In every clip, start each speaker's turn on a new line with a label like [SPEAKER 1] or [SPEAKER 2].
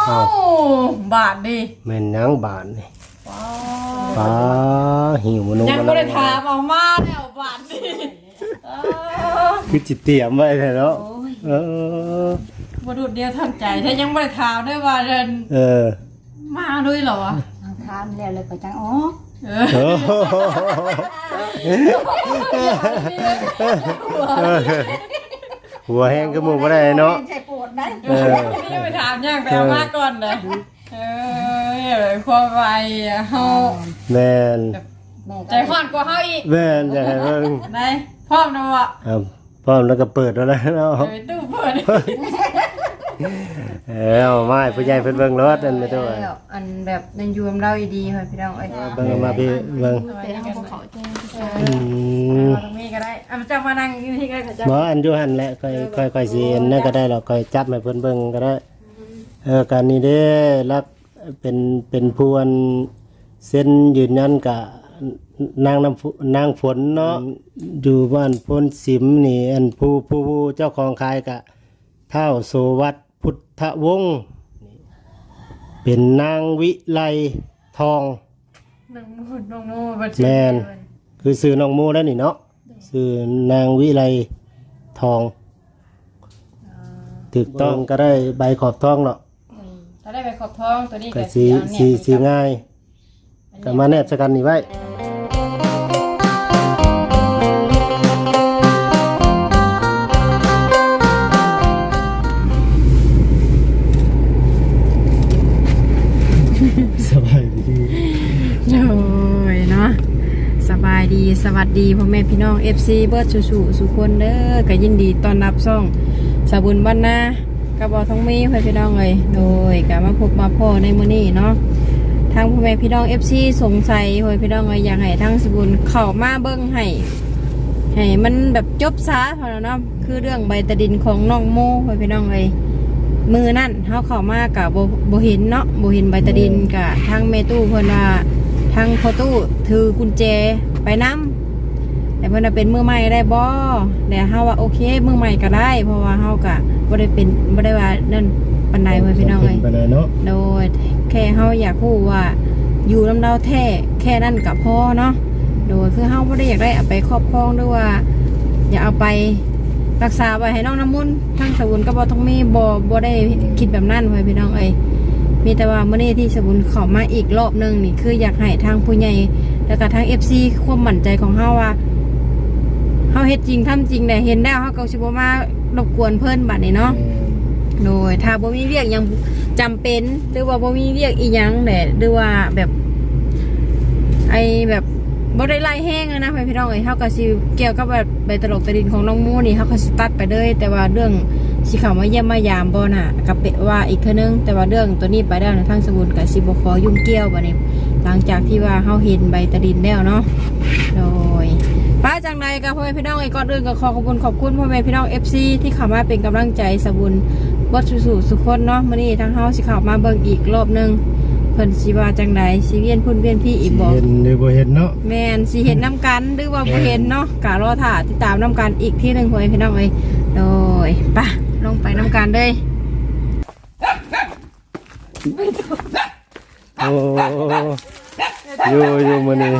[SPEAKER 1] บาทดิ
[SPEAKER 2] แม่นยังบาทนี่ป้าหิวมัน
[SPEAKER 1] ยังไม่ได้ถามเอามาแล้วบาทดิ
[SPEAKER 2] คือจิตเตรียมไว้เนาะ
[SPEAKER 1] บดุดเดียวทันใจถ้ายังไม่ได้ถามด้วยว่าเดินมาด้วยเหรอวะ
[SPEAKER 3] ถามแล้วเลยก็จังอ๋อ
[SPEAKER 2] หัวแห้งก็มูบ่ได้เนาะ
[SPEAKER 3] ใช่ปวดได้
[SPEAKER 1] นี่ไปถามยังไปเอามาก่อนเลยความไวเฮา
[SPEAKER 2] แม่น
[SPEAKER 1] ใจฮ้อนกว่าเฮาอีก
[SPEAKER 2] แม่นใจเบิ่ง
[SPEAKER 1] ได้พร้อมนะวะ
[SPEAKER 2] พร้อมแล้วก็เปิดแล้วนะเนาะ
[SPEAKER 1] ตู้เปิด
[SPEAKER 2] มาผู้ใหญ่เพิ่นเบิ่งรถอันไม่ตัว
[SPEAKER 3] อันแบบนันยูมเราดีค่ะพี่น้องเอ้ย
[SPEAKER 2] เบิ่งมาพี่เบิ่ง
[SPEAKER 1] ตรงนี้ก็ได้จะมานั่งที่ก็จะ
[SPEAKER 2] บ่อันอยู่หั่นแหละค่อยสินั่นก็ได้หรอกค่อยจับให้เพิ่นเบิ่งก็ได้การนี้เด้รักเป็นผู้อันเส้นยืนยันกับนางฝนเนาะอยู่บ้านพ้นสิมนี่อันผู้เจ้าของคายกะเท่าโสวัตพุทธวงศ์เป็นนางวิไลทอง
[SPEAKER 1] น้องโม
[SPEAKER 2] แมนคือซื้อน้องโมแล้วนี่เนาะซื้อนางวิไลทองถูกต้องก็ได้ใบขอบทองเนาะ
[SPEAKER 1] ถ้าได้ใบขอบทองตัวนี้
[SPEAKER 2] ก็สีง่ายก็มาแนบสกันนี่ไว้สบายดี
[SPEAKER 1] โอ้ยเนาะสบายดีสวัสดีพ่อแม่พี่น้อง FC เบิร์ดสุคนเด้อก็ยินดีต้อนรับซ่องสาบุญบ้านนากระบอกทองมีพ่อพี่น้องเลยโดยก็มาพบมาพ่อในมื้อนี้เนาะทางพ่อแม่พี่น้อง FC สงสัยพ่อพี่น้องเลยอยากให้ทางสาบุญเข้ามาเบิ่งให้มันแบบจบซะพอแล้วเนาะคือเรื่องใบตะดินของน้องโมพ่อพี่น้องเลยมือนั่นเขาเข้ามากับโบเห็นเนาะโบเห็นใบตะดินกับทางเมตู้เพิ่นว่าทางพอตู้ถือกุญแจไปน้ำแต่เพิ่นเป็นมือใหม่ได้บ่แต่เฮาว่าโอเคมือใหม่ก็ได้เพราะว่าเฮากะบ่ได้ว่านั่นปานใดเว้ยพี่น้องเอ้ยโดยแค่เฮาอยากรู้ว่าอยู่นำเราแท้แค่นั้นก็พอเนาะโดยคือเฮาบ่ได้อยากได้เอาไปครอบครองด้วยว่าอย่าเอาไปรักษาไว้ให้น้องน้ำมุนทั้งสบุนก็บ่ต้องมีบ่ได้คิดแบบนั้นไว้พี่น้องเอ้ยมีแต่ว่ามื้อนี้ที่สบุนเข้ามาอีกรอบนึงนี่คืออยากให้ทางผู้ใหญ่แล้วก็ทาง FC ความมั่นใจของเฮาว่าเฮาเฮ็ดจริงทำจริงได้เห็นแล้วเฮาก็สิบ่มารบกวนเพิ่นบัดนี้เนาะโดยถ้าบ่มีเวียกยังจำเป็นหรือว่าบ่มีเวียกอีหยังแหละหรือว่าแบบแบบบ่ได้ไล่แห้งนะพี่น้องเอ้ยเฮาก็สิเกี่ยวกับแบบใบตลกตะดินของน้องมูนี่เฮาก็สิตัดไปเลยแต่ว่าเรื่องสิเข้ามาเยี่ยมมายามบ่น่ะก็เป็นว่าอีกเทื่อนึงแต่ว่าเรื่องตัวนี้ไปแล้วทางสมุนก็สิบ่ขอยุ่งเกี่ยวบัดนี้หลังจากที่ว่าเฮาเห็นใบตะดินแล้วเนาะโดยป้าจังใดก็พ่อแม่พี่น้องก่อนอื่นก็ขอบคุณพ่อแม่พี่น้อง FC ที่เข้ามาเป็นกำลังใจสบุญบ่สุคนเนาะมื้อนี้ทางเฮาสิเข้ามาเบิ่งอีกรอบนึงเพิ่นสิว่าจังใดสิเวียนพุ่นเวียนพี่อีกบ่
[SPEAKER 2] เห็นหรือบ่เห็นเนาะ
[SPEAKER 1] แม่นสิเห็นน้ำกันหรือว่าบ่เห็นเนาะกะรอถ่าติดตามน้ำกันอีกที่นึงพ่อแม่พี่น้องเอ้ยโดยป่ะลงไปน้ำกันเลย
[SPEAKER 2] โอ้อยู่มื้อนี้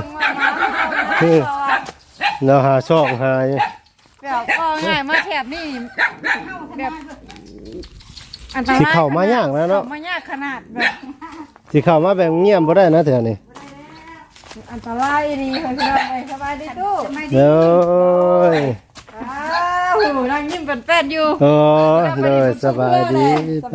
[SPEAKER 2] เนาะหาช่องหาย
[SPEAKER 1] แบบก็ง่ายมาแถบนี่แบบอันตราย
[SPEAKER 2] สิเข้ามายากแล้วเนาะ
[SPEAKER 1] มายากขนาดแบบ
[SPEAKER 2] สิเข้ามาแบบเงียบบ่ได้นะเถื่อนี่
[SPEAKER 1] อันตรายดีค่ะพี่น้องสบายดีตู้
[SPEAKER 2] เด้อ
[SPEAKER 1] นั่งยิ้มเป็นแป้นอยู่
[SPEAKER 2] เลยสบายดี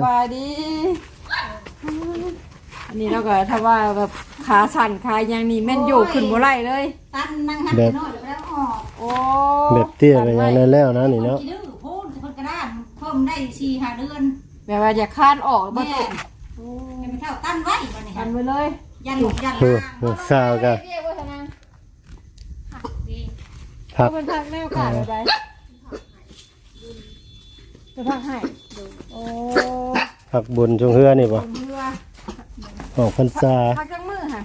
[SPEAKER 1] อันนี้เราก็ถ้าว่าแบบขาสั่นขายังนี่แม่นโยกขึ้นบ่ไหลเลย
[SPEAKER 3] ตั้นนั่งหันไปโน่นแล้วออก
[SPEAKER 1] โอ้
[SPEAKER 2] แบบเตี้ยไปยังแล้วนะนี่เนาะ
[SPEAKER 3] โพ่นกระด้างเพิ่มได้4-5 เดือน
[SPEAKER 1] แบบว่าอยากคานออกบ่ตุ
[SPEAKER 3] ไม่เท่าตั้นไว้บัดนี้
[SPEAKER 1] ตั้นไว้เลย
[SPEAKER 3] ยันหลบ
[SPEAKER 2] สาวกัน
[SPEAKER 1] ผักเป็นผักแนวขาดอะไรจะผักให้โอ้
[SPEAKER 2] ผักบุญจงเฮือนี่ป่ะออกพรรษา
[SPEAKER 1] ผักจังมือค่ะ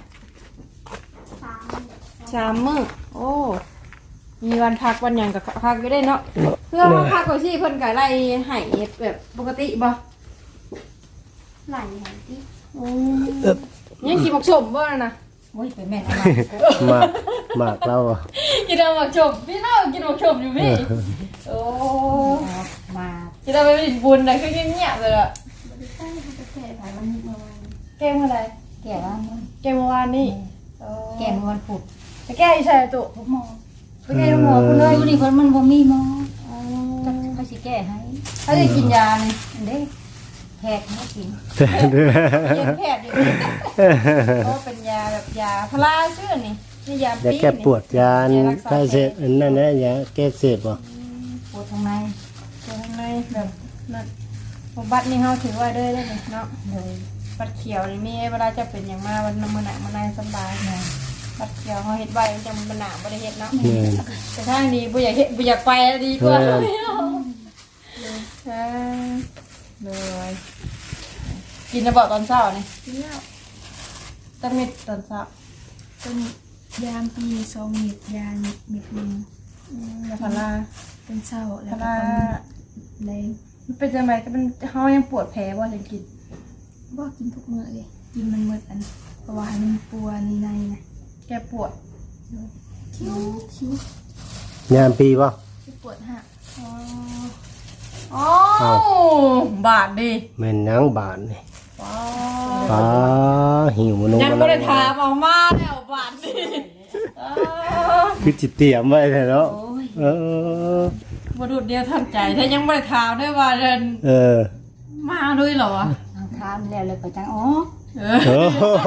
[SPEAKER 1] 3 มื้อโอ้มีวันพักวันหยังกับพักก็ได้เนาะเพื่อพักก่อนสิเพิ่นก็ไล่ให้แบบปกติบ่
[SPEAKER 3] ไหลไหลที่
[SPEAKER 1] ยังกินหมกชมบ่นะ
[SPEAKER 3] โอ้ยไปแม่ทำไม
[SPEAKER 2] มากเราอะ
[SPEAKER 1] กินหมกชมพี่น้องกินหมกชมอยู่พี่โอ้
[SPEAKER 3] มา
[SPEAKER 1] กินไปเป็นบุญนะคือเงียบๆเลยอะ
[SPEAKER 3] ใช่เขาจะแก่ถ่ายวันนี้เมื่อวาน
[SPEAKER 1] แก้เมื่อไร
[SPEAKER 3] แก่ว่ามึง
[SPEAKER 1] แก้เมื่อวานนี่
[SPEAKER 3] แก่เมื่อวันพุธ
[SPEAKER 1] ไปแก้อีใช่ตุ
[SPEAKER 3] ทุกหมอ
[SPEAKER 1] ไปแก้หมอคุณเลย
[SPEAKER 3] ดูดิคนมันบ่มีหมอจะเขาสิแก้ให้
[SPEAKER 1] ถ้าจะกินยานี่
[SPEAKER 3] อันเด้แพทย์ให้กิน
[SPEAKER 1] เย็นแพทย์อยู่เพราะเป็นยาแบบยาพาราชื่อนี่นี่ยา
[SPEAKER 2] อย่า
[SPEAKER 1] ปี
[SPEAKER 2] แก้ปวดยาถ้าเสพอันนั้นนะอย่าแก้เสพบ่
[SPEAKER 3] ปวดทางใน
[SPEAKER 1] ตัวข้างในแบบนั้นบัตรนี่เขาถือไว้ด้วยได้ไหมเนาะ
[SPEAKER 3] เลย
[SPEAKER 1] บัตรเขียวนี่มีเวลาจะเป็นอย่างมาวันมื้อหนักมื้อในสบายเนาะบัตรเขียวเขาเฮ็ดไว้จังมันหนาบ่ได้เฮ็ดเนาะ
[SPEAKER 2] แม่น
[SPEAKER 1] แต่ทางนี้บ่อยากเฮ็ดบ่อยากไปดีกว่า
[SPEAKER 2] เออ
[SPEAKER 1] เลยกินระเบิดตอนเช้านี่
[SPEAKER 4] เลี้ยว
[SPEAKER 1] ตั้งเม็ดตอนเช้า
[SPEAKER 4] เป็นยามปี2 เม็ดยาเม็ดหนึง
[SPEAKER 1] ยาพารา
[SPEAKER 4] เป็นเศร้าแล้ว
[SPEAKER 1] พา
[SPEAKER 4] ก็
[SPEAKER 1] รา
[SPEAKER 4] ตอนแรง
[SPEAKER 1] มันเป็นจังไดก็เป็นเฮายังปวดแผลบ่ถึงกิน
[SPEAKER 4] บ่กินทุกมื้อเลยกินมันหมดอันเพราะว่ามันปวดในนะ
[SPEAKER 1] แก้ปวด
[SPEAKER 4] คิ้ว
[SPEAKER 2] ยามปีบ่
[SPEAKER 4] ที่ปวดหัก
[SPEAKER 1] อ๋อ
[SPEAKER 2] เอ้า
[SPEAKER 1] บาดดิ
[SPEAKER 2] แม่นหยังบานนี่
[SPEAKER 1] ว้า
[SPEAKER 2] ป้าหิวมนุษย์
[SPEAKER 1] ยังบ่ได้ถามออกมาแล้วบาดดิ
[SPEAKER 2] คือจิเตรียมไว้แท้เนาะ
[SPEAKER 3] โอ้ย
[SPEAKER 2] เออ
[SPEAKER 1] บ่ดูดเดียวทันใจถ้ายังบ่ได้ถามด้วยว่าเดิน
[SPEAKER 2] เออ
[SPEAKER 1] มาด้วยเหรอวะ
[SPEAKER 3] ทางทามแล้วเลยก็จังอ๋อ
[SPEAKER 1] เออ
[SPEAKER 2] โอ้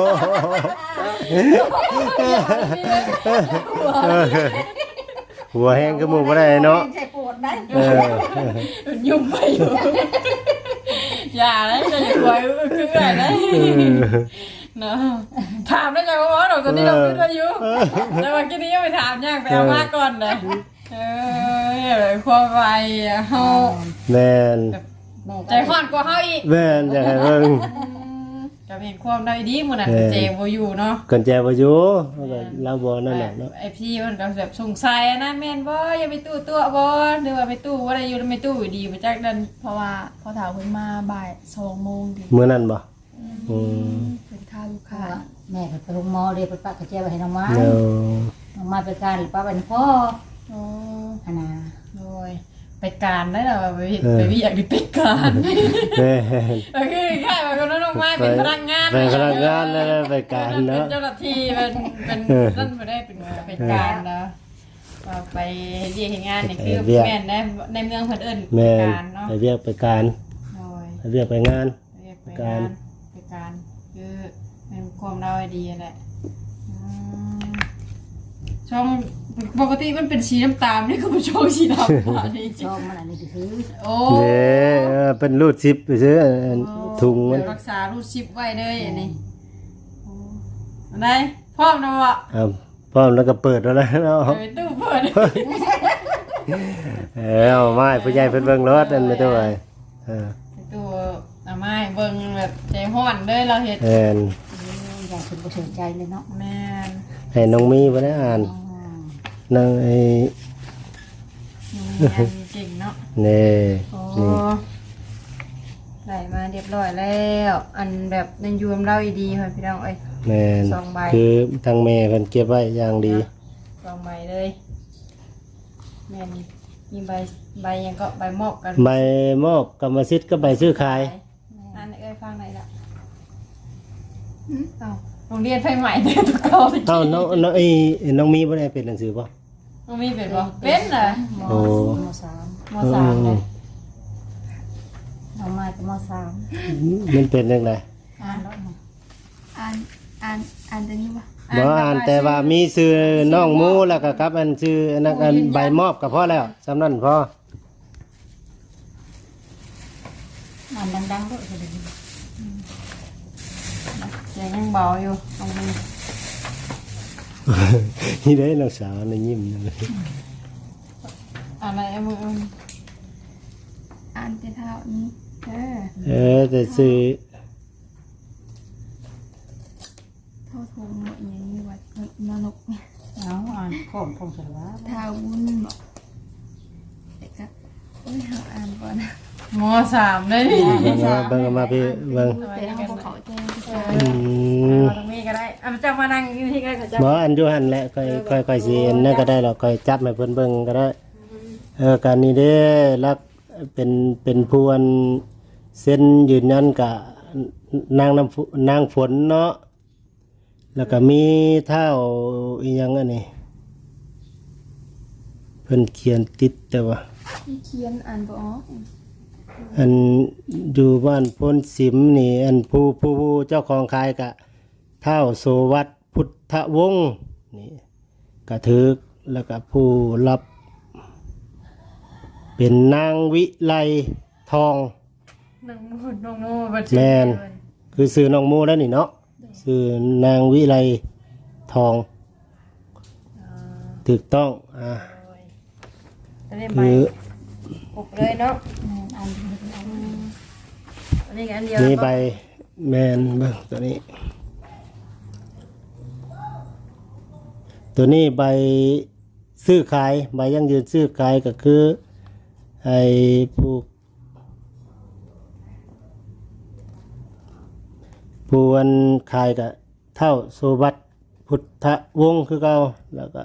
[SPEAKER 2] หัวแห้งก็หมู่บ่ได้เนาะ
[SPEAKER 3] ใช่ปวดได้
[SPEAKER 2] เออ
[SPEAKER 1] ยุ่งไปอยู่ อย่าเลยจะอย่าควยคืออะไรเนาะถามได้ไงว่าเราตอนนี้เราคิดว่าอยู่แต่ว่ากี้นี้ยังไปถามย่างไปเอามาก่อนเลยความไวเฮา
[SPEAKER 2] แม่น
[SPEAKER 3] แม่
[SPEAKER 1] ใจห่อนกว่าเฮาอีก
[SPEAKER 2] แม่นอยากให้เบิ่ง
[SPEAKER 1] จะเห็นความได้ดีมื้อนั้นเจบ่อยู่เนาะ
[SPEAKER 2] กันแจบ่อยู่เราบ่นั่นแหละเนาะ
[SPEAKER 1] ไอพี่มันก็แบบสงสัยนะแม่นบ่อย่าไปตู้ตัวบ่หรือว่าไปตู้บ่ได้อยู่ไม่ตู้อยู่ดีมาจากนั้น
[SPEAKER 4] เพราะว่าพอถามเพิ่นมาบ่าย2 โมงดิ
[SPEAKER 2] มื้อนั้นบ่อืม
[SPEAKER 4] เป็นค่าลูก
[SPEAKER 3] ค่ะ
[SPEAKER 4] ค้า
[SPEAKER 3] แม่ไปโรงหมอเรียกไปป้ากระเจี๊ยบไปให้น้องไม้
[SPEAKER 2] เนา
[SPEAKER 3] น้องไม้ไปการหรือป้าเป็นพ่อ
[SPEAKER 1] โอ้
[SPEAKER 3] อันน่ะ
[SPEAKER 1] โดยไปการได้เหรอไปวิอยากดิไปการ
[SPEAKER 2] แม่น
[SPEAKER 1] ก็คือแค่ว่าคนนั้นออกมาเป็นพนักงาน
[SPEAKER 2] เป็นพนักงานแล้วไปการเนาะ
[SPEAKER 1] เป็นเจ้าหน้าที่เป็นนั่นไม่ได้เป็นการนะไปเรียกงานนี่คือแม่นในเมืองเพิ่นเอิ้น
[SPEAKER 2] แม่น
[SPEAKER 1] การเนาะ
[SPEAKER 2] ไปเรียกไปการ
[SPEAKER 1] โดย
[SPEAKER 2] ไปเรียกไปงาน
[SPEAKER 1] เรียกไปงานไปการคือเป็นความเราดีแหละช่องปกติมันเป็นสีน้ำตาลนี่ก็เป็นช่องสีดำนี่
[SPEAKER 3] ชอบมันอันนี้คือ
[SPEAKER 1] โอ้
[SPEAKER 2] เด้เป็นรูดซิปไปซื้อถุงมัน
[SPEAKER 1] รักษารูดชิปไว้เลยอันนี้อันไหนพร้อมนะวะ
[SPEAKER 2] พร้อมแล้วก็เปิดแล้วนะเนาะ
[SPEAKER 1] ไปตู้เปิด
[SPEAKER 2] เอาไม้ผู้ใหญ่เพิ่นเบิ่งรถนั่นไม่ต้องไป
[SPEAKER 1] ไปตู้เอาไม้เบิ่งแบบใจห้อนเลยเราเห็ด
[SPEAKER 2] แม่น
[SPEAKER 3] อยากถึงบ่สนใจเลยเนาะ
[SPEAKER 1] แม่น
[SPEAKER 2] ให้น้องมีบ่ได้อ่านนางไอ้
[SPEAKER 1] มีอันเก่งเนาะ
[SPEAKER 2] นี่
[SPEAKER 1] โอ้
[SPEAKER 2] นี่
[SPEAKER 1] ไหลมาเรียบร้อยแล้ว อันแบบในยูมเล่าอีดีค่ะพี่น้องเอ้ย
[SPEAKER 2] แม่น
[SPEAKER 1] สองใบ
[SPEAKER 2] คือทางแม่เพิ่นเก็บไว้อย่างดี
[SPEAKER 1] สองใบเลยแม่นมีใบยังก็ใบมอบกัน
[SPEAKER 2] ใบมอบกรรมสิทธิ์ก็ใบซื้อขาย
[SPEAKER 1] อันเอ้ยฟังไหนล่ะเอ้าโรงเรียนไฟใหม่เด็กตุกเก่า
[SPEAKER 2] เอ้าน้องไอ้น้องมีบ่ได้เป็นหนังสือบ่
[SPEAKER 1] น้องมีเป็นบ่เป็นเหรอ
[SPEAKER 3] ม
[SPEAKER 2] โอ้
[SPEAKER 3] สาม
[SPEAKER 1] มสามเลย
[SPEAKER 3] น้องไม้ก็มสาม
[SPEAKER 2] มันเป็นจังได๋
[SPEAKER 3] อ่านแล้วเนาะ
[SPEAKER 4] อ่านตัวนี้ป่ะ
[SPEAKER 2] บ่อ่านแต่ว่ามีชื่อน้องหมูแล้วก็กับอันชื่ออันนั้นอันใบมอบก็พอแล้วสำนั้นพอ
[SPEAKER 3] อ่านดังๆด้วยเลย
[SPEAKER 1] เสียงยังเบาอยู่ตรงนี้
[SPEAKER 2] นี่ได้น้องสาวนี่ยิ้มนั่นเลย
[SPEAKER 1] อะไรมือ
[SPEAKER 4] อ่านแต่เท่านี้
[SPEAKER 2] แต่ชื่อ
[SPEAKER 4] เท่าทงอย่างนี้วัดนรกเนี่ย
[SPEAKER 3] เอาอ่านข้อมพงศาวะ
[SPEAKER 4] เท้าบุญบอกแต่ก็โอ้ยหาอ่านก่อนนะ
[SPEAKER 1] ม.3เลยนี่
[SPEAKER 2] เบิ่งเอามาพี่เบิ่ง
[SPEAKER 4] แต่เขาบ่เข้าใจภาษา
[SPEAKER 1] เอาตรงนี้ก็ได้อ่ะจะมานั่งอยู่ที่กันก็จะ
[SPEAKER 2] บ่อันอยู่หั่นแหละค่อยสิอันนั่นก็ได้หรอกค่อยจับให้เพิ่นเบิ่งก็ได้การนี้เด้รักเป็นผู้อันเซ็นยืนยันกับนางฝนเนาะแล้วก็มีเท้าอีหยังอันนี้เพิ่นเขียนติดแต่ว่า
[SPEAKER 4] ที่เขียนอ่านบ่ออก
[SPEAKER 2] อันอยู่บ้านพ้นสิมนี่อันผู้เจ้าของคายกะเท้าโสวัตพุทธวงศ์นี่กระทึกแล้วก็ผู้รับเป็นนางวิไลทอง
[SPEAKER 1] น้องโมบัด
[SPEAKER 2] แมนคือซื้อน้องโมแล้วนี่เนาะซื้อนางวิไลทองถูกต้อง
[SPEAKER 1] จะได้ใบปลุกเลยเนาะ
[SPEAKER 3] อันนี้เป็นอัน
[SPEAKER 1] อันนี้อันเดียว
[SPEAKER 2] นี่ใบแมนเบิ่งตัวนี้ ตัวนี้ใบซื้อขายใบยั่งยืนซื้อขายก็คือไอ้ผู้อันขายก็เท่าโสวัตพุทธวงศ์คือเก่าแล้วก็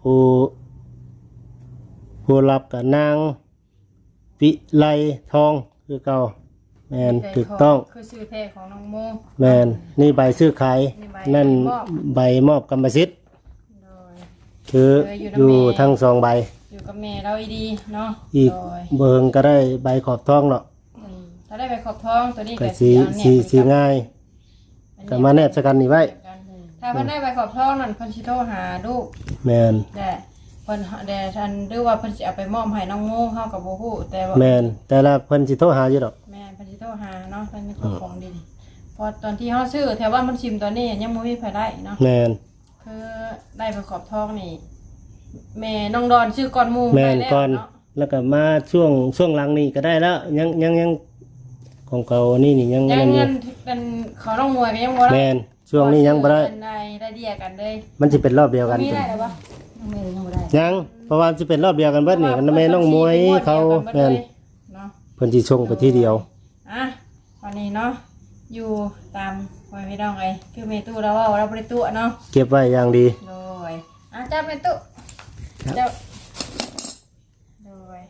[SPEAKER 2] ผู้รับกับนางวิไลทองคือเก่าแมนถูกต้อง
[SPEAKER 1] คือชื่อแท้ของน้องโม
[SPEAKER 2] แมนนี่ใบซื้อขาย
[SPEAKER 1] นี่ใบ
[SPEAKER 2] นั่น
[SPEAKER 1] มอบ
[SPEAKER 2] ใบมอบกรรมสิทธิ์
[SPEAKER 1] โดย
[SPEAKER 2] คืออยู่ทั้งสองใบ
[SPEAKER 1] อยู่กับแม่เราดีเนาะ
[SPEAKER 2] อีก
[SPEAKER 1] โดย
[SPEAKER 2] เบิงก็ได้ใบขอบทองเนาะ
[SPEAKER 1] ถ้าได้ไปขอบท้องตัวนี้
[SPEAKER 2] ก็
[SPEAKER 1] ก็
[SPEAKER 2] สีง่ายก็มาแนบสกันนี่ไว้
[SPEAKER 1] ถ้าเพิ่นได้ไปขอบท้องนั่นเพิ่นสิโทรหาลูก
[SPEAKER 2] แมน
[SPEAKER 1] แต่เพิ่นแต่ทันหรือว่าเพิ่นสิเอาไปมอบให้น้องโมเฮากับบ่ฮู้แต่ว่า
[SPEAKER 2] แมนแต่ละเพิ่นสิโทรหาอยู่ดอก
[SPEAKER 1] แม่เพิ่นสิโทรหาเนาะเพิ่นมีของดีพอตอนที่เฮาซื้อแถวบ้านเพิ่นชิมตอนนี้ยังบ่มีไผได้เนาะ
[SPEAKER 2] แมน
[SPEAKER 1] คือได้ไปขอบท้องนี่แม่น้องดอนชื่อก่อนหมู่
[SPEAKER 2] แมน
[SPEAKER 1] ได้แล้ว
[SPEAKER 2] ก่อน
[SPEAKER 1] เนาะ
[SPEAKER 2] แล้วก็มาช่วงหลังนี่ก็ได้แล้วยังของเก่านี่ยัง
[SPEAKER 1] ยัง
[SPEAKER 2] นั่นอ
[SPEAKER 1] เงิ
[SPEAKER 2] ยู่
[SPEAKER 1] นเป็นของน้องมวยก็ยังบ่ได้
[SPEAKER 2] แมนช่วงนี้ยังบ่ได้
[SPEAKER 1] เป็นได้เดียกันเลย
[SPEAKER 2] มันสิเป็นรอบเดียวกัน
[SPEAKER 1] มีได้หรอวะ
[SPEAKER 3] น้องเมย์ยังบ่ได้
[SPEAKER 2] ยังเพราะว่าสิเป็นรอบเดียวกันเบิดนี่กันแม่น้องมวยเขาแมน
[SPEAKER 1] เนาะ
[SPEAKER 2] เพิ่นสิชงไปที่เดียว
[SPEAKER 1] อ่ะวันนี้เนาะอยู่ตามไว้พี่น้องไอ้คือเมตู้เราว่าเราบ่ได้ตู้เนาะ
[SPEAKER 2] เก็บไว้อย่างดี
[SPEAKER 1] โดยจับเมตู้เจ้าโดย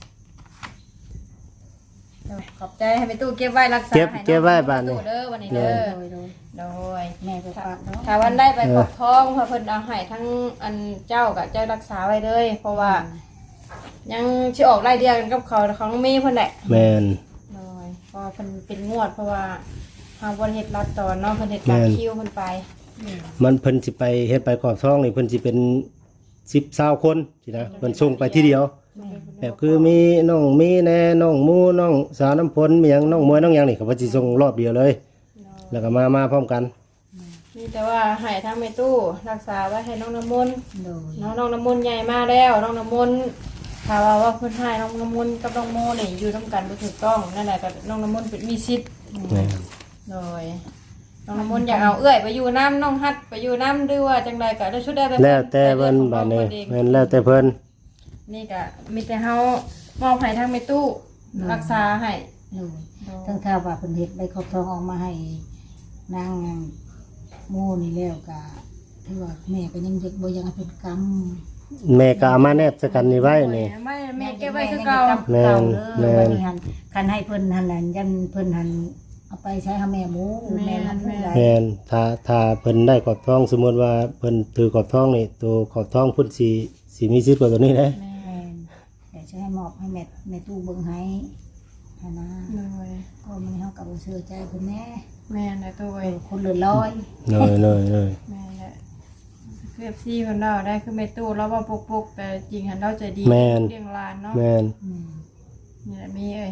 [SPEAKER 1] ขอบใจให้เมตู้เก็บไว้รักษาให้น้อง
[SPEAKER 2] เก็บไว้บ้านนี่
[SPEAKER 1] เด้อวันนี้เด้อ
[SPEAKER 3] โดย
[SPEAKER 1] โดย
[SPEAKER 3] แม่ไปฝากเนาะ
[SPEAKER 1] ถ้าวันได้ไปขอบท้องเพราะเพิ่นเอาให้ทั้งอันเจ้ากับเจ้ารักษาไว้เลย เพราะว่า ยังสิออกไล่เดียวกันกับเขาของมีเพิ่นแหละ
[SPEAKER 2] แมน
[SPEAKER 1] โดยเพราะเพิ่นเป็นงวดเพราะว่าเฮาบ่ได้เฮ็ดรัดตอนเนาะเพิ่นเฮ็ดตามคิวเพิ่นไป
[SPEAKER 2] มันเพิ่นสิไปเฮ็ดไปขอบท้องนี่เพิ่นสิเป็น10-20คนสินะเพิ่นส่งไปที่เดียว แบบคือมีน้องมีแน่น้องหมูน้องสาวน้ำพลมีหยังน้องมวยน้องหยังนี่เขาว่าสิส่งรอบเดียวเลย แล้วก็มาพร้อมกัน
[SPEAKER 1] มีแต่ว่าให้ทั้งแม่ตู้รักษาไว้ให้น้องน้ำมนต์
[SPEAKER 3] โดย
[SPEAKER 1] น้องน้ำมนต์ใหญ่มาแล้วน้องน้ำมนต์ถ้าว่าเพิ่นให้น้องน้ำมนต์กับน้องโมนี่อยู่นํกันบ่ถูกต้องนั่นแหละก็น้องน้ำมนต์เป็นมีสิทธิ์
[SPEAKER 2] แม่น
[SPEAKER 1] โดยน้องน้ำมนต์อยากเอาเอื้อยไปอยู่น้ำน้องฮัดไปอยู่น้ำด้วยว่าจังใดก็ได้ชุดได้ไป
[SPEAKER 2] แล้วแต่เพิ่นบาดนี้แม่นแล้วแต่เพิ่น
[SPEAKER 1] นี่ก็มีแต่เฮามอบให้ทางแม่ตู้รักษาให้
[SPEAKER 3] โดยทั้งถ้าว่าเพิ่นเฮ็ดใบขอบทองออกมาให้นางโมนี่แล้วก็ถือว่าแม่ก็ยังเด็กบ่ยังให้เพิ่นกำ
[SPEAKER 2] แม่ก็เอามาแนบสกันนี่ไว้นี่
[SPEAKER 1] ไม่แม่เก็บไว้คือเก่า
[SPEAKER 2] แม่นแม่น
[SPEAKER 3] คันให้เพิ่นหันนั่นยันเพิ่นหันเอาไปใช้หาแม่หมูแม่หันผู้ใด
[SPEAKER 2] แม่นถ้าเพิ่นได้ขอบท้องสมมุติว่าเพิ่นถือขอบท้องนี่ตัวขอบท้องเพิ่นสิมีสิทธิ์กว่าตัวนี้เด้
[SPEAKER 3] แม่นแต่จะให้มอบให้แม่ตู้เบิ่งให้หันนะ
[SPEAKER 1] โดย
[SPEAKER 3] ก็มันเฮาก็บ่เชื่อใจเพิ่นแน่
[SPEAKER 1] แม่นะตัวเอง
[SPEAKER 3] คนเลือดลอย
[SPEAKER 2] เลย
[SPEAKER 1] แม่แหละคือ FC คนเราได้คือแม่ตู้เราว่าปกๆแต่จริงหันเราใจดี
[SPEAKER 2] แม่น
[SPEAKER 1] เลี้ยงหลานเนาะ
[SPEAKER 2] แม่น
[SPEAKER 3] อืม
[SPEAKER 1] นี่แหละมีเอ้ย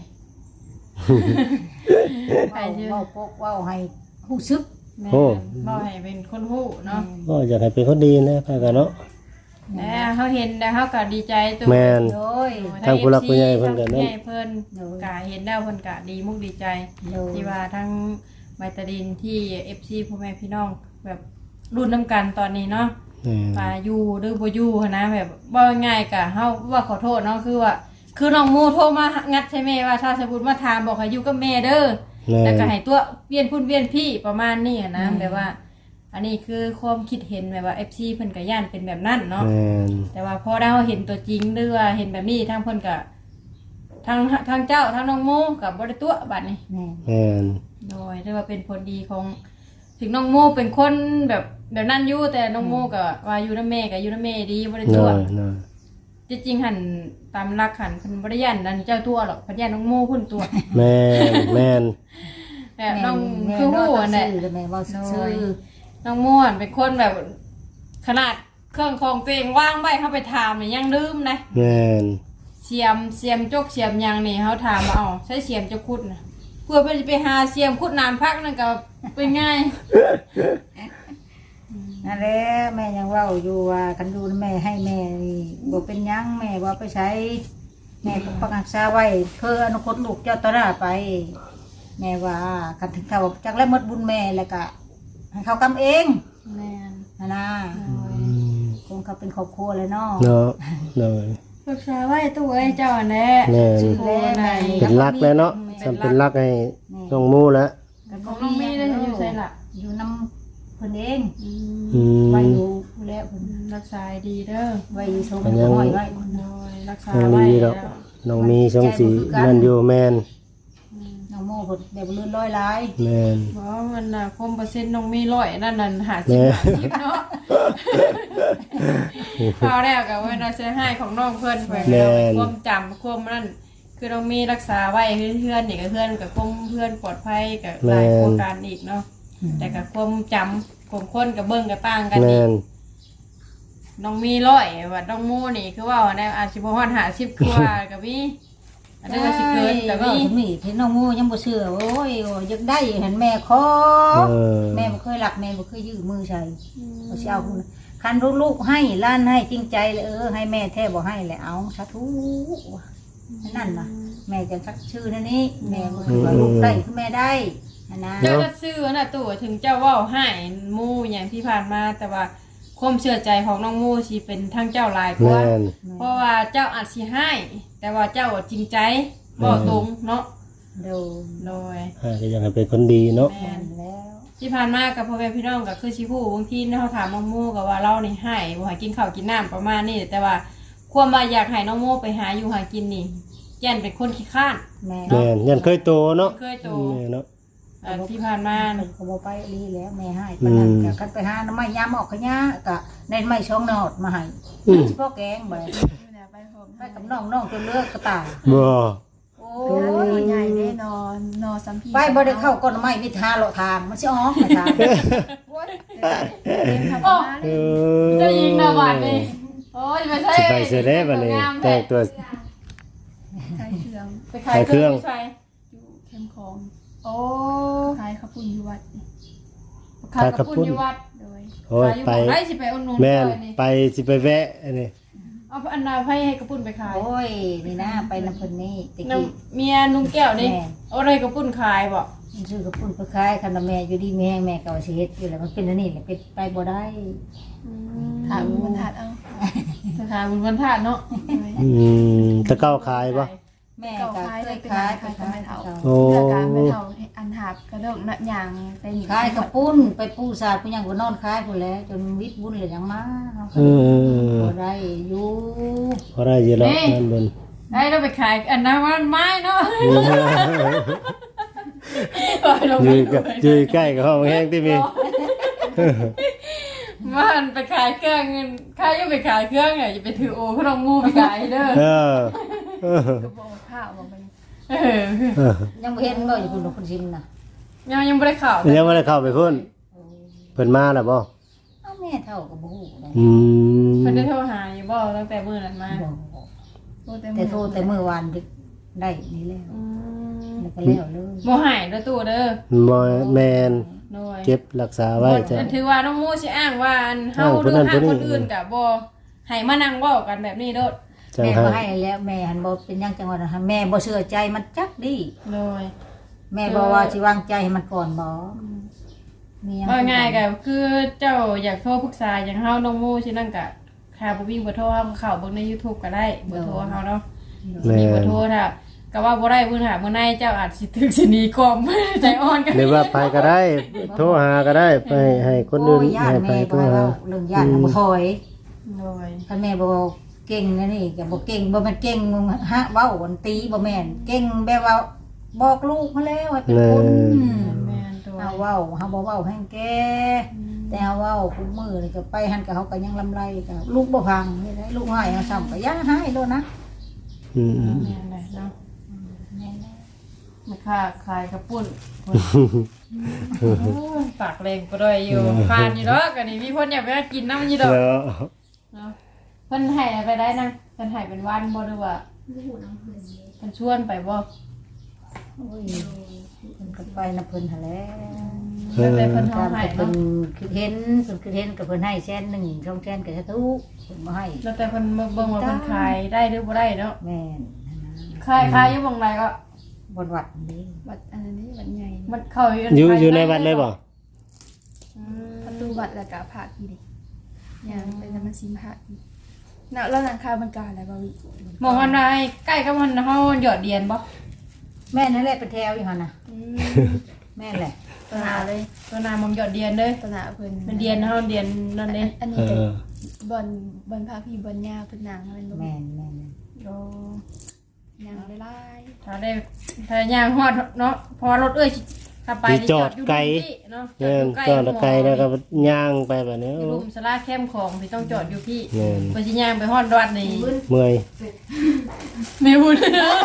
[SPEAKER 3] เว้าปกเว้าให้ฮู้ซึก
[SPEAKER 1] แม่บ่ให้เป็นคนฮู้เนาะ
[SPEAKER 2] ก็อยากให้เป็นคนดีนะพากันเนาะ
[SPEAKER 1] แล้วเฮาเห็นแล้วเฮาก็ดีใจตัว
[SPEAKER 2] แม่น
[SPEAKER 3] โดย
[SPEAKER 2] ทางผู้หลักผู้ใหญ่เพิ่นก็
[SPEAKER 1] ทาง
[SPEAKER 2] นั่น
[SPEAKER 1] ผู้ใหญ่เพิ่นกะเห็นแล้วเพิ่นกะดีมุกดีใจ
[SPEAKER 3] โดย
[SPEAKER 1] ที่ว่าทั้งไมตาดินที่ FC พ่อแม่พี่น้องแบบรุ่นน้ำกันตอนนี้เนาะ
[SPEAKER 2] แม่น
[SPEAKER 1] อยู่หรือบ่อยู่หั้นนะแบบว่าง่ายกะเฮาว่าขอโทษเนาะคือว่าคือน้องโมโทรมางัดใช่แม่ว่าถ้าสมมุติมาถามบอกให้อยู่กับแม่เด้อ
[SPEAKER 2] แม่น
[SPEAKER 1] แล้วก็ให้ตัวเวียนพุ่นเวียนพี่ประมาณนี้อะนะแบบว่า อันนี้คือความคิดเห็นแบบว่า FC เพิ่นก็ย่านเป็นแบบนั้นเนาะ
[SPEAKER 2] แม่น
[SPEAKER 1] แต่ว่าพอได้เราเห็นตัวจริงหรือว่าเห็นแบบนี้ทางเพิ่นก็ทางเจ้าทางน้องโมกับ่ได้ตัวบัดนี้
[SPEAKER 3] แม่
[SPEAKER 2] แม่น
[SPEAKER 1] โดยเรียกว่าเป็นผลดีของถึงน้องโมเป็นคนแบบนั้นอยู่แต่น้องโมก็ว่าอยู่นำแม่ก็อยู่นำแม่ดีบ่ได้
[SPEAKER 2] น้
[SPEAKER 1] ตัว
[SPEAKER 2] อยน้อย
[SPEAKER 1] จริงๆหันตามหลักหันเพิ่นบ่ได้ย่านนั่นเจ้าตัวหรอกเพิ่นย่านน้องโมเพิ่นตัว
[SPEAKER 2] แม่นแม่น
[SPEAKER 1] แต่น้อง
[SPEAKER 3] แม่
[SPEAKER 1] คือฮู้อัน
[SPEAKER 3] แห
[SPEAKER 1] นั้
[SPEAKER 3] ละ
[SPEAKER 1] น
[SPEAKER 3] แม่ว่าซื่อ
[SPEAKER 1] น้องม่วนเป็นคนแบบขนาดเครื่องของตัวเองว่างไว้เข้าไปถามนี่ยังลืมนะ
[SPEAKER 2] แม่น
[SPEAKER 1] เสียมจกเสียมหยังนี่เขาถามมาเอาใช้เสียมจะขุดนะเพื่อไปหาเสียมขุดน้ำพักนั่นก็เป็นง่าย
[SPEAKER 3] นั่นแหละแม่ยังเว้าอยู่ว่าคันดูแม่ให้แม่นี่บ่เป็นหยังแม่บ่ไปใช้แม่ก็ปักรักษาไว้เพื่ออนาคตลูกเจ้าต่อหน้าไป แม่ว่าคันถึงเขาจักแล้วหมดบุญแม่แล้วก็ให้เขากำเอง
[SPEAKER 1] แม่น
[SPEAKER 3] นะ
[SPEAKER 2] อืม
[SPEAKER 3] คงเขาเป็นครอบครัวเลยเนาะ
[SPEAKER 2] เนาะน้อย
[SPEAKER 1] ปรึกษาไว้ตู้เอ้ยเจ้าอันแน่
[SPEAKER 2] แม่น
[SPEAKER 1] โอ้ไหน
[SPEAKER 2] เป็นรักแล้วเนาะจำเป็นรักให้น้องมูแล้ว
[SPEAKER 1] ของน้องมีได้อยู่ใส่ละ
[SPEAKER 3] อยู่น้ำเพิ่นเอง
[SPEAKER 2] อืม
[SPEAKER 3] ไว้อยู่แล้วเพิ่น
[SPEAKER 1] รักษาดีเด้อ
[SPEAKER 3] ไว้อยู่ชม
[SPEAKER 2] มันยัง
[SPEAKER 3] ห้อยไว้
[SPEAKER 1] โดยรักษา
[SPEAKER 2] น้อง
[SPEAKER 1] ไว้
[SPEAKER 2] ดีดอกน้องมีช่องสีนั่นอยู่แม่น
[SPEAKER 3] น้องโม่เพิ่นแบบเลื่อนลอยหลาย
[SPEAKER 2] แม่น
[SPEAKER 1] เพราะมันน่ะคมเปอร์เซ็นต์น้องมีร้อยนั่นนั่นหา
[SPEAKER 2] แม่
[SPEAKER 1] สิบเนาะคราวแรกกับว่าเราเสียให้ของน้องเพื่อนไปความจำความนั่นคือเรามีรักษาไว้เพื่อนนี่กับเพื่อนกับความเพื่อนปลอดภัยกับหลายโครงการอีกเนาะแต่กับความจำความคนกับเบิ้งกับต่างกันอี
[SPEAKER 2] แม่
[SPEAKER 1] ก
[SPEAKER 2] น
[SPEAKER 1] น้องมีร้อยว่าน้องมูนี่คือว่าในอาชีพฮอด50กว่ากับมีอันนี้ว่าสิเกินกับ
[SPEAKER 3] ก็
[SPEAKER 1] มี
[SPEAKER 3] มีเห็นน้องโม่ยังบ่เชื่อโอ้ยอยากได้เห็นแม่ขอ
[SPEAKER 2] เออ
[SPEAKER 3] แม่บ่เคยรักแม่บ่เคยยื้อมือใส่บ่สิเอาคุณคันลูกๆให้ล้านให้จริงใจเลยให้แม่แท้บ่ให้แหละเอาสาธุนั่นน่ะแม่จะสักชื่อนั่นนี่แม่บ่คือว่าลูกได้คือแม่ได้นะ
[SPEAKER 1] เจ้าก็ซื้อน่ะตู่ถึงเจ้าเว้าให้มูอย่างที่ผ่านมาแต่ว่าความเชื่อใจของน้องมูสิเป็นทั้งเจ้าหลายกว่า
[SPEAKER 2] แม่น
[SPEAKER 1] เพราะว่าเจ้าอาจสิให้ แต่ว่าเจ้าจริงใจบ่ตรงเนาะ
[SPEAKER 3] โดน
[SPEAKER 1] โดย
[SPEAKER 2] ก็อยากให้เป็นคนดีเนาะ
[SPEAKER 1] แม่น
[SPEAKER 3] แล้ว
[SPEAKER 1] ที่ผ่านมากับพ่อแม่พี่น้องก็คือสิฮู้บางทีเขาถามน้องโมก็ว่าเรานี่ให้บ่ให้กินข้าวกินน้ำประมาณนี้แต่ว่าความว่าอยากให้น้องโมไปหาอยู่หากินนี่ยันเป็นคนขี้ข้าน
[SPEAKER 3] แม่
[SPEAKER 2] แม่นยันเคยโตเนาะ
[SPEAKER 1] เคยโต
[SPEAKER 2] แม่เนาะ
[SPEAKER 1] ที่ผ่านมา
[SPEAKER 3] มันก็บ่ไปลีแล้วแม่ให้ปานนั้นก็คันไปหาน้ำไม้ยามออกขะยะก็ได้ไม้ช่องนอดมาให้เฉพาะแกงบ่
[SPEAKER 4] ไปผม
[SPEAKER 3] ไปกับน้องจนเลือกกระตาย
[SPEAKER 2] บ่
[SPEAKER 3] โอ้
[SPEAKER 4] โอ้ย
[SPEAKER 3] ย
[SPEAKER 4] ใหญ่แน่นอนนอสัมพี
[SPEAKER 3] ไปบ่ได้เข้าก้นไม้มีทาเลาะทางมันสิออกทาง
[SPEAKER 4] เต็มทำ
[SPEAKER 1] โอ้
[SPEAKER 4] มาเล
[SPEAKER 2] เอย อ
[SPEAKER 1] เจ้าหญิงนะบัดนี้โอ้ยไม่ใช่
[SPEAKER 2] สิไปเสียได้บัดนี้แต่งตัว
[SPEAKER 4] ขายเครื่อง
[SPEAKER 1] ไปขายเครื่องใช่
[SPEAKER 4] อยู่เข้มของ
[SPEAKER 1] โอ้
[SPEAKER 4] ขายข้าวปุ้นอยู่วัดนี่
[SPEAKER 1] ขายกระปุ้นอยู่วัด
[SPEAKER 4] โดย
[SPEAKER 2] โอ้ย
[SPEAKER 1] ขายอยู่
[SPEAKER 2] ไป
[SPEAKER 1] บ่ได้สิไปอุ่นนุ่น
[SPEAKER 2] แม่น
[SPEAKER 1] นี่
[SPEAKER 2] ไปสิไปแวะอันนี้
[SPEAKER 1] เอาอันนาให้กระปุ้นไปขาย
[SPEAKER 3] โอ้ยนี่นะไปน้ำเพิ่นนี่ตะ
[SPEAKER 1] น้
[SPEAKER 3] กี้
[SPEAKER 1] ำเมียลุงแก้วนี่
[SPEAKER 3] แม่
[SPEAKER 1] เอาอะไรกระปุ้นขายบ่
[SPEAKER 3] มันซื้อกระปุ่นไปขายคันว่าแม่อยู่ดีแม่แม่ก็ว่าสิเฮ็ดอยู่แล้วมันเป็นอันนี้แหละเป็นไปบ่ได้
[SPEAKER 4] ถามมันถัดเอา
[SPEAKER 1] สถานบุญวันธาตุเนาะ
[SPEAKER 4] โดย
[SPEAKER 2] ตะเก้าขายปะ
[SPEAKER 3] แม่
[SPEAKER 4] เก่า
[SPEAKER 3] ก็
[SPEAKER 4] ขาย
[SPEAKER 3] เค
[SPEAKER 4] เลย
[SPEAKER 3] ย
[SPEAKER 4] เป็น
[SPEAKER 3] ขาย
[SPEAKER 4] ขายกับไม่เท่า
[SPEAKER 2] โอ้
[SPEAKER 4] เลือกการไม่เท่าอันหาบกระโดดหนักอย่างไปหนี
[SPEAKER 3] ขายกระปุ้นไปปูสาดผู้หยังก็นอนขายพุ่นแหล้วจนวิทย์บุญเลยยังมาเนาะ
[SPEAKER 2] เออ
[SPEAKER 3] บ่ได้อยู่
[SPEAKER 2] พอได้อยินแล้วนั่นบน
[SPEAKER 1] ได้เราไปขายอันนั้นมันไม้เนาะ
[SPEAKER 2] ยืนใกล้กับห้องแห้งที่มี
[SPEAKER 1] มันไปขายเครื่องเงินใครจะไปขายเครื่องอย่าไปถือโอ้ขนมมูไปขายเด้อ
[SPEAKER 2] เออ
[SPEAKER 4] กระบอกข้าวบอกไป
[SPEAKER 1] เออ
[SPEAKER 2] เออ
[SPEAKER 3] ยังบ่เห็นบ่อยู่พุ่นคนชิมน่ะ
[SPEAKER 1] ยังไม่ได้ข่าว
[SPEAKER 2] ยังไม่ได้เข้าไปพุ่นเพิ่นมาแล้วบ่
[SPEAKER 3] เอ้าแม่เท่าก็บ่ฮู้ได้
[SPEAKER 2] อืม
[SPEAKER 1] เพิ่นได้โทรหาอยู่บ่ตั้งแต่มื้อนั้นมา
[SPEAKER 3] บ่
[SPEAKER 4] โอ้แต่
[SPEAKER 3] แต่โทรแต่มื้อวานได้นี่แล้วแล้วก็แล้วเลย
[SPEAKER 1] บ่หายเด้อตู่เด้อ
[SPEAKER 2] บ่แมน
[SPEAKER 1] โดย
[SPEAKER 2] เก็บรักษาไว้จ้ะ
[SPEAKER 1] มันถือว่าน้องมูสิอ้างว่าอันเฮาหรือหาคนอื่นก็บ่ให้มานั่งเว้ากันแบบนี้โดด
[SPEAKER 2] จัง
[SPEAKER 3] แม่
[SPEAKER 2] ให้
[SPEAKER 3] บ่ให้แล้วแม่หันบ่เป็นหยังจังว่านะแม่บ่เชื่อใจมันจักดี
[SPEAKER 1] โดย
[SPEAKER 3] แม่บอกว่าสิวางใจให้มันก่อนบ่มีหยัง
[SPEAKER 1] ว่าง่ายก็คือเจ้าอยากโทรปรึกษาอย่างเฮาน้องมูสินั่นก็ถ้าบ่มีเบอร์โทรเฮาเข้าเบิ่งใน YouTube ก็ได้เบอร์โทรเฮาเนาะ
[SPEAKER 2] แม่
[SPEAKER 1] มีขอโทษค่ะก็ว่าบ่ได้เพิ่นหามื้อในเจ้าอาจสิถึกสิหนีกอม ใจอ่อนกัน
[SPEAKER 2] หรือว่าไปก็ได้โทรหาก็ได้ไปให้คนอื่น
[SPEAKER 3] โอ้ยย่าน
[SPEAKER 2] ให้ไป
[SPEAKER 3] แม่
[SPEAKER 2] โทร
[SPEAKER 3] บ่ให้
[SPEAKER 2] หา
[SPEAKER 3] เว้าเรื่องย่านบ่ถอย
[SPEAKER 1] โดย
[SPEAKER 3] คันแม่บ่เก่งนะนี่ก็บ่เก่งบ่แม่นเก่งฮะเว้าวันตีบ่แม่นเก่งแบบว่าบอกลูกมาแล้วให้เป็นคน
[SPEAKER 1] แม่นโดย
[SPEAKER 3] เอาเว้าเฮาบ่เว้าแฮงแก่แต่เฮาเว้าคุมมือนี่ก็ไปหันกับเฮาก็ยังลำไรก็ลูกบ่พังนี่ได้ลูกให้เฮาซ้ำก็อย่าให้โลดนะ
[SPEAKER 2] อืม
[SPEAKER 1] แม่นเลยเนาะ
[SPEAKER 3] แม่นแล้ว
[SPEAKER 1] แม่ค้าขายกระปุ้นโอ้ยปากแรงก็ได้อยู่ผ่านอยู่ดอกอันนี้มีคนอยากไปกินน้ำอยู่ดอก
[SPEAKER 2] แล้ว
[SPEAKER 1] เนาะเพิ่นให้ไปได้นั่งเพิ่นให้เป็นวันบ่หรือว่า
[SPEAKER 4] ลูกน้ำเพิ่นเลย
[SPEAKER 1] เพิ่นชวนไปบ่
[SPEAKER 3] โอ้ยเพิ่นก็ไปนํเพิ่นหั่นแหละ
[SPEAKER 1] แล้วแต่เพิ่นเฮา
[SPEAKER 3] ตาม
[SPEAKER 1] ให้
[SPEAKER 3] ที่เพิ่
[SPEAKER 1] เนาะ
[SPEAKER 3] นคือเห็นเพิ่นคือเห็นก็เพิ่นให้แสนหนึ่งสองแสนก็จะทุกเพิ่นบ่ให้
[SPEAKER 1] แล้วแต่เพิ่นมาเบิ่งว่าเพิ่นขายได้หรือบ่ได้เนาะ
[SPEAKER 3] แม่น
[SPEAKER 1] ขายอยู่บ่งใดก็
[SPEAKER 3] บนวัดนี่
[SPEAKER 4] วัดอันนี้วัดใหญ่
[SPEAKER 1] มันเข้า
[SPEAKER 2] อยู่ในวัดเลยบ่
[SPEAKER 1] อืม
[SPEAKER 4] ประตูวัดแล้วก็พระอีกดิอย่างเป็นธรรมศิลป์พระอีกน่ะแล้วหลังคาบังการอะไรบ่วิ
[SPEAKER 1] มองอันใดใกล้กับมันเฮาหยอดเหรียญบ่
[SPEAKER 3] แม่นั่นแหละเป็นแถวอยู่หั่นน่ะ
[SPEAKER 4] อืม
[SPEAKER 3] แม่นแหละ
[SPEAKER 4] ตัวหนาเลย
[SPEAKER 1] ตัวนามองหยอดเหรียญเด้อ
[SPEAKER 4] ตัวหนาเพิ่น
[SPEAKER 1] เป็นเหรียญเฮาเหรียญนั่นเด้
[SPEAKER 4] อัน
[SPEAKER 2] เอ
[SPEAKER 4] นี้เป็น
[SPEAKER 2] อบ
[SPEAKER 4] นพระพี่บนยาเป็นหนังเป็นบ่
[SPEAKER 3] แม่นแม่น
[SPEAKER 1] โอ้
[SPEAKER 4] หนังหลาย
[SPEAKER 1] ถ้าได้ถ้าย่างฮอดเนาะพอรถเอ้ยถ้าไป
[SPEAKER 2] จอดไกล
[SPEAKER 1] เนาะ
[SPEAKER 2] แม่นจอดไกลแล้วก็ย่างไปแบบนี้
[SPEAKER 1] อยู่ลุมสลาเข้มของที่ต้องจอดอยู่พี่
[SPEAKER 2] แม่น
[SPEAKER 1] บ่สิย่างไปฮอดวัดนี่
[SPEAKER 2] เมื่อย
[SPEAKER 1] แม่บุญ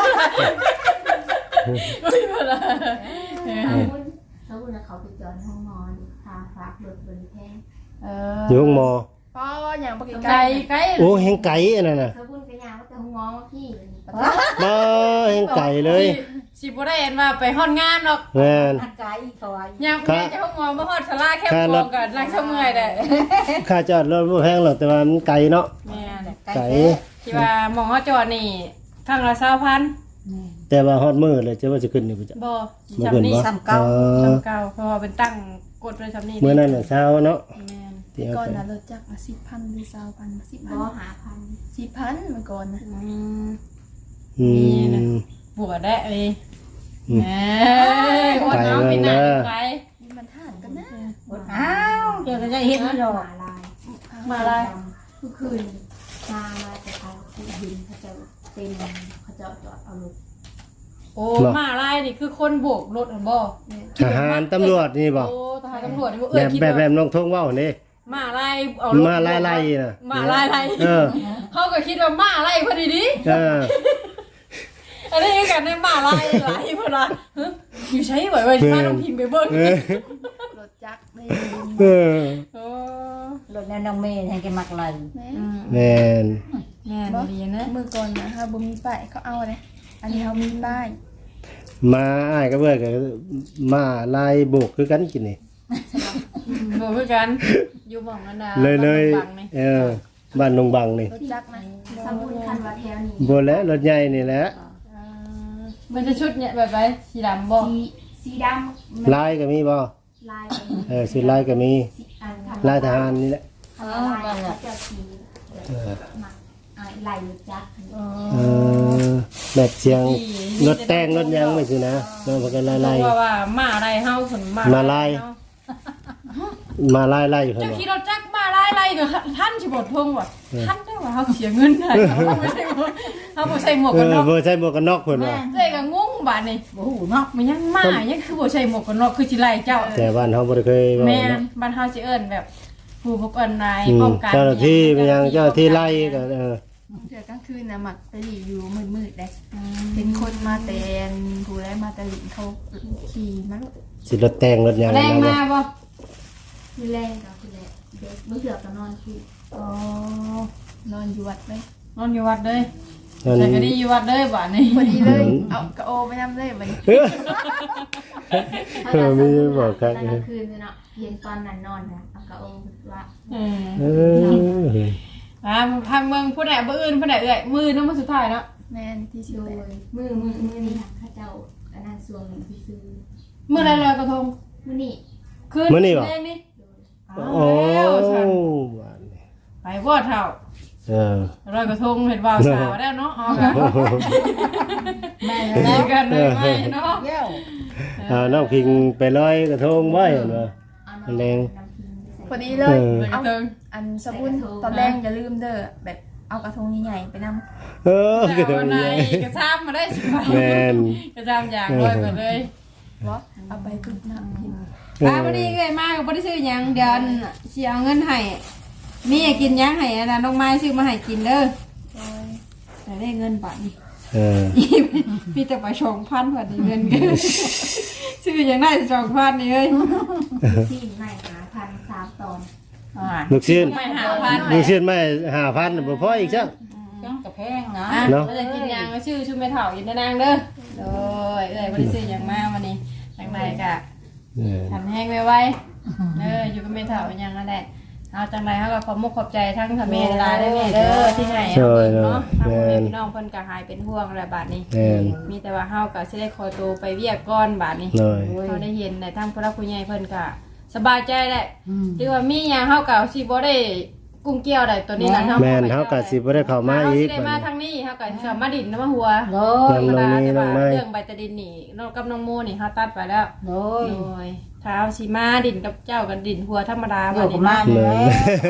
[SPEAKER 1] โอ้ยบ่ล่ะ
[SPEAKER 5] เขาบุญเขาไปจอดห้องนอนพาฝากรถบนแพง
[SPEAKER 1] เอ
[SPEAKER 2] อยู่ห้องหมอ
[SPEAKER 4] ๆก็อย่างปก
[SPEAKER 1] ไกล
[SPEAKER 4] ติ
[SPEAKER 1] ไกล
[SPEAKER 2] โอ้แห่งไก่อันนั้นน่ะ
[SPEAKER 5] เขาบุญไปยาวแต่ห้องนอนพี่
[SPEAKER 2] บ่แห่งไก่เลย
[SPEAKER 1] สิบ่ได้เห็นว่าไปฮอดงานหรอก
[SPEAKER 2] แม่น
[SPEAKER 3] อากาศอีกเขาว่า
[SPEAKER 1] ย่างแม่จะห้องงอมาฮอดสลาเข้มของก็นั่งเฉมื่อยได้
[SPEAKER 2] ค่าจอดรถบ่แพงหรอกแต่ว่ามันไกลเนาะ
[SPEAKER 1] แม่น
[SPEAKER 2] ไก่
[SPEAKER 1] ที่ว่าหมองเฮาจอดนี่ครั้งละ20,000
[SPEAKER 3] แม่น
[SPEAKER 2] แต่ว่าฮอดมื้อเลยจะว่าจะขึ้นอยู่บ่จ๊ะ
[SPEAKER 1] บ่
[SPEAKER 2] บ่
[SPEAKER 1] จำ
[SPEAKER 2] ขึ้น
[SPEAKER 1] นี่
[SPEAKER 2] บ่
[SPEAKER 3] ซ้ำเก่า
[SPEAKER 1] จำเก่าเพราะว่าเป็นตั้งกดไว้จำนี่
[SPEAKER 2] มื้อนั้นน่ะเช้าเนาะ
[SPEAKER 1] แม่น
[SPEAKER 2] ที่เอา
[SPEAKER 4] ก่อน
[SPEAKER 2] ไป
[SPEAKER 4] นะรถจักรมา10,000หรือ20,000
[SPEAKER 5] บ่หาพัน
[SPEAKER 4] 10,000เมื่อก่อนนะ
[SPEAKER 2] อืม
[SPEAKER 1] ปวดได้เลย
[SPEAKER 2] อืม
[SPEAKER 1] แหมอดน้องกินหนักไป
[SPEAKER 4] นี่มันทานกันนะ
[SPEAKER 3] อ้าวเดี๋ยวก็จะเห็นมันดอก
[SPEAKER 5] ลาย
[SPEAKER 1] มาอะไร
[SPEAKER 5] ทุกคืนมาจะเอาที่ดินเขาจะเป็นเขาจะจอดเอารถ
[SPEAKER 1] โอ้มาอะไรนี่คือคนโบกรถเห็นบ่
[SPEAKER 2] ทหารตำรวจนี่บ่
[SPEAKER 1] โอ้ทหารตำรวจนี่บ่
[SPEAKER 2] แบ
[SPEAKER 1] เอ้ย
[SPEAKER 2] บ
[SPEAKER 1] คิด
[SPEAKER 2] แบบ
[SPEAKER 1] ว่า
[SPEAKER 2] น้องทงเว้านี่
[SPEAKER 1] มาอะไรเอารถ
[SPEAKER 2] มาไล่ๆน่ะ
[SPEAKER 1] มาอะไร
[SPEAKER 2] เออ
[SPEAKER 1] เขาก็คิดว่ามาอะไรพอดีดิ
[SPEAKER 2] เออ
[SPEAKER 1] อันนี้คือกันในมาอะไรหลายเพิ่นว่าฮะอยู่ใช้บ่อยว่ามาต้องพิมพ์ไปเบิ่ง
[SPEAKER 2] เออ
[SPEAKER 4] รถจักรไม่
[SPEAKER 2] เออ
[SPEAKER 1] โอ้
[SPEAKER 3] รถแนวน้องเมย์ให้แกมักไหล
[SPEAKER 4] แม่
[SPEAKER 2] แม่น
[SPEAKER 1] แม่นดีนะ
[SPEAKER 4] เมื่อก่อนนะถ้าบ่มีป้ายเขาเอาเลยอันนี้เขามีป้าย
[SPEAKER 2] มาอ้ายก็เบิ่ก็มาลายโบกคือกันกินนี่
[SPEAKER 1] บ่คือกันอยู่หม่องอันน่ะ
[SPEAKER 2] เลย
[SPEAKER 1] บังนี่
[SPEAKER 2] เออบ้านนงบังนี่
[SPEAKER 4] รถจักรนะ
[SPEAKER 5] สมุนคันว่าแถวนี้
[SPEAKER 2] บ่แล้วรถใหญ่นี่แหละ
[SPEAKER 1] มันจะชุดเนี่ยแบบไหนสีดำบ่
[SPEAKER 5] สีดำ
[SPEAKER 2] ลายก็มีบ่
[SPEAKER 5] ลาย
[SPEAKER 2] สุดลายก็มี
[SPEAKER 5] อัน
[SPEAKER 2] ลายทหารนี่แหละ
[SPEAKER 5] ลายเขาจะสีมักลายจัก
[SPEAKER 2] เออแบบเสียงรถแต่งรถหยังไม่สินะมันก็ลาย
[SPEAKER 1] เพราะว่ามาอะไรเฮาผลมา
[SPEAKER 2] มาลาย มาลายเพิ่น
[SPEAKER 1] เจ้า
[SPEAKER 2] บ่
[SPEAKER 1] คิดเราจักมาอะไรก็ท่านสิบ่ทงว่ะท่านได้ว่าเฮาเสียเงินได้เฮาบ่ใช่เฮาบ่ใช่หมวก
[SPEAKER 2] เอ
[SPEAKER 1] กัน
[SPEAKER 2] อ
[SPEAKER 1] น็อก
[SPEAKER 2] บ่ใช่หมวกกันน็อกเพิ่นว่า
[SPEAKER 1] เจ้ก็งงบาดนี่
[SPEAKER 3] โอ้โหเนาะ
[SPEAKER 1] มันยังมายังคือบ่ใช่หมวกกันน็อกคือสิไล่เจ้า
[SPEAKER 2] แต่บ้านเฮาบ่ได้เคยเว้า
[SPEAKER 1] แม่น
[SPEAKER 2] เนาะ
[SPEAKER 1] บ้านเฮาสิเอิ้นแบบผู้ปกครองนาย
[SPEAKER 2] อื
[SPEAKER 1] ป้อ
[SPEAKER 2] ม
[SPEAKER 1] งกัน
[SPEAKER 2] เจ้าหน้าที่เป็นหยังเจ้าหน้าที่ไล่ก็
[SPEAKER 4] เสือกลางคืนนะหมักตะหลีอยู่มืดๆเลยเป็นคนมาแต่นผู้ได้มาตะหลีเขาขี่มาลูก
[SPEAKER 2] สิรถแต่งรถหยัง
[SPEAKER 1] แรงมาบ่
[SPEAKER 5] คือแรงกับคือแรงเด็กมื้อเดือก็นอนคือ
[SPEAKER 1] อ๋อน
[SPEAKER 4] อนอยู่วัดเลย
[SPEAKER 1] นอนอยู่วัดเลย
[SPEAKER 2] นั่น
[SPEAKER 1] ใส่ก็ดีอยู่วัดเลยบาดนี้
[SPEAKER 4] พอดีเลยเอากระโอไปนำเลยวันนี้
[SPEAKER 2] มีบอกครับ
[SPEAKER 5] ตอนกลางคืนเนาะเย็นตอนนั้นนอนนะเอากระโอว่า
[SPEAKER 1] เออ
[SPEAKER 2] เออ
[SPEAKER 1] ทางเมืองผู้ใดบ่อื่นผู้ใดเอ้ยมือน้ำมันสุดท้ายเนาะ
[SPEAKER 4] แม่นที่สิ
[SPEAKER 5] โด
[SPEAKER 4] บแป
[SPEAKER 5] ย
[SPEAKER 4] ด
[SPEAKER 5] มือนี่ค่ะข้าเจ้าอันนั้นส่วนที่ซื้อ
[SPEAKER 1] มือไรลอยกระทง
[SPEAKER 5] มื้อนี้
[SPEAKER 1] คืน
[SPEAKER 2] มื้อนี้บ่
[SPEAKER 1] แรงนี่
[SPEAKER 2] โอ้
[SPEAKER 1] แล้วฉัน
[SPEAKER 2] บ้านนี่
[SPEAKER 1] ไปบ่เท่าร้อยกระทงเห็นบ่าวสาวแล้วเนาะเอากัน
[SPEAKER 3] แม่
[SPEAKER 1] ดี
[SPEAKER 3] แล้ว
[SPEAKER 1] กันเลยไหมเนาะ
[SPEAKER 3] เย้า
[SPEAKER 2] น้องพิงไปลอยกระทงไว้เห็นบ่แรง
[SPEAKER 4] พอดีเลย
[SPEAKER 1] กระทง
[SPEAKER 4] อันสบุนตอนแรกอย่าลืมเด้อแบบเอากระทงใหญ่ๆไปนำ
[SPEAKER 2] กระท
[SPEAKER 1] เอา
[SPEAKER 2] ง
[SPEAKER 1] ไหน
[SPEAKER 2] ใหญ่
[SPEAKER 1] กระซ้ำมาได้สิไป
[SPEAKER 2] แม่น
[SPEAKER 1] กระซ้ำอย่างร้อยไปเลย
[SPEAKER 4] บ่เอาไปตุ๊บน้ำพิมพ์
[SPEAKER 1] พอดีเลยมากบ่ได้ซื้อหยังเดี๋ยวสิเอาเงินให้มีให้กินหยังให้อันนั้นน้องไม้ซื้อมาให้กินเด้อ
[SPEAKER 4] โดย
[SPEAKER 1] แต่ได้เงินบาทนี่ มีแต่ไป2,000บาทนี่เงินกันซื้อหยังได้2,000นี่เอ้ย
[SPEAKER 5] ที่ไม่หาพัน3ตอน
[SPEAKER 2] ลูกชิ้น
[SPEAKER 1] ไม่5,000
[SPEAKER 2] ลูกชิ้นไม่5,000บ่พออีกจัง
[SPEAKER 3] จังกระแพงนะ
[SPEAKER 1] อ่ะ
[SPEAKER 2] เนาะ
[SPEAKER 1] เราจะกินหยังก็ชื่อชุมแม่เฒ่าอยู่ในนางเด้อโดยเอ้ยบ่ได้ซื้อหยังมาวันนี้จังไดก็ ทำแห้งไว้อยู่กับเมทัลยังนั่นแหละเอาจังไรเขาก็ขอบมุกขอบใจทั้งทำเมลาได้เมเด้อที่ไหนเอาอีกเนาะทางพ่อแม่พี่น้องเพิ่นก็หายเป็นห่วงอะไรบาดนี้
[SPEAKER 2] แม่น
[SPEAKER 1] มีแต่ว่าเฮาก็สิได้คอยตัวไปเวียกก้อนบาดนี้
[SPEAKER 2] หน่อย
[SPEAKER 1] เขาได้เห็นในทางผู้รักผู้ใหญ่เพิ่นก็สบายใจแหละที่ว่ามีหยังเฮาก็สิบ่ได้กุ้งเกี่ยวได้ตัวนี้น่ะ
[SPEAKER 2] แม่นเฮาก็สิบ่ได้เข้ามาอีก
[SPEAKER 1] เฮาสิได้มาทางนี้เฮาก็สิเข้ามาดินน้ำมาหัว
[SPEAKER 3] โดย
[SPEAKER 2] น้องนี่น้องไม้
[SPEAKER 1] เรื่องใบตะดินนี่น้องกับน้องโมนี่เฮาตัดไปแล้ว
[SPEAKER 3] โดย
[SPEAKER 1] โอ้ยเท้าสีมาดินกับเจ้ากันดินหัวธรรมดา
[SPEAKER 3] อยู่กับมัน
[SPEAKER 2] เล
[SPEAKER 3] เลย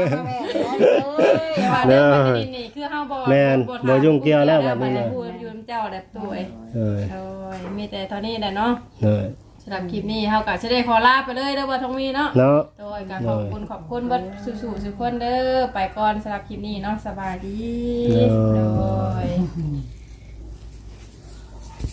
[SPEAKER 3] ย
[SPEAKER 1] ว่าเรื่องมันดินนี่คือเฮาบ่
[SPEAKER 2] แม่นบ่ยุ่งเกี่ยวแล้วบัดนี้
[SPEAKER 1] นะ
[SPEAKER 2] นะ
[SPEAKER 1] พูดอยู่กับเจ้าแหละตัวเอ้ย
[SPEAKER 2] เอ้ย
[SPEAKER 1] โอ้ยมีแต่เท่านี้แหละเนาะ
[SPEAKER 2] เอ้ย
[SPEAKER 1] สำหรับคลิปนี้เฮาก็สิได้ขอลาไปเลยเด้อบ่ทองมีเนาะ
[SPEAKER 2] เนาะ
[SPEAKER 1] โดยก็ขอบคุณเบิดสู่ๆทุกคนเด้อไปก่อนสำหรับคลิปนี้เนาะสบายดีโดย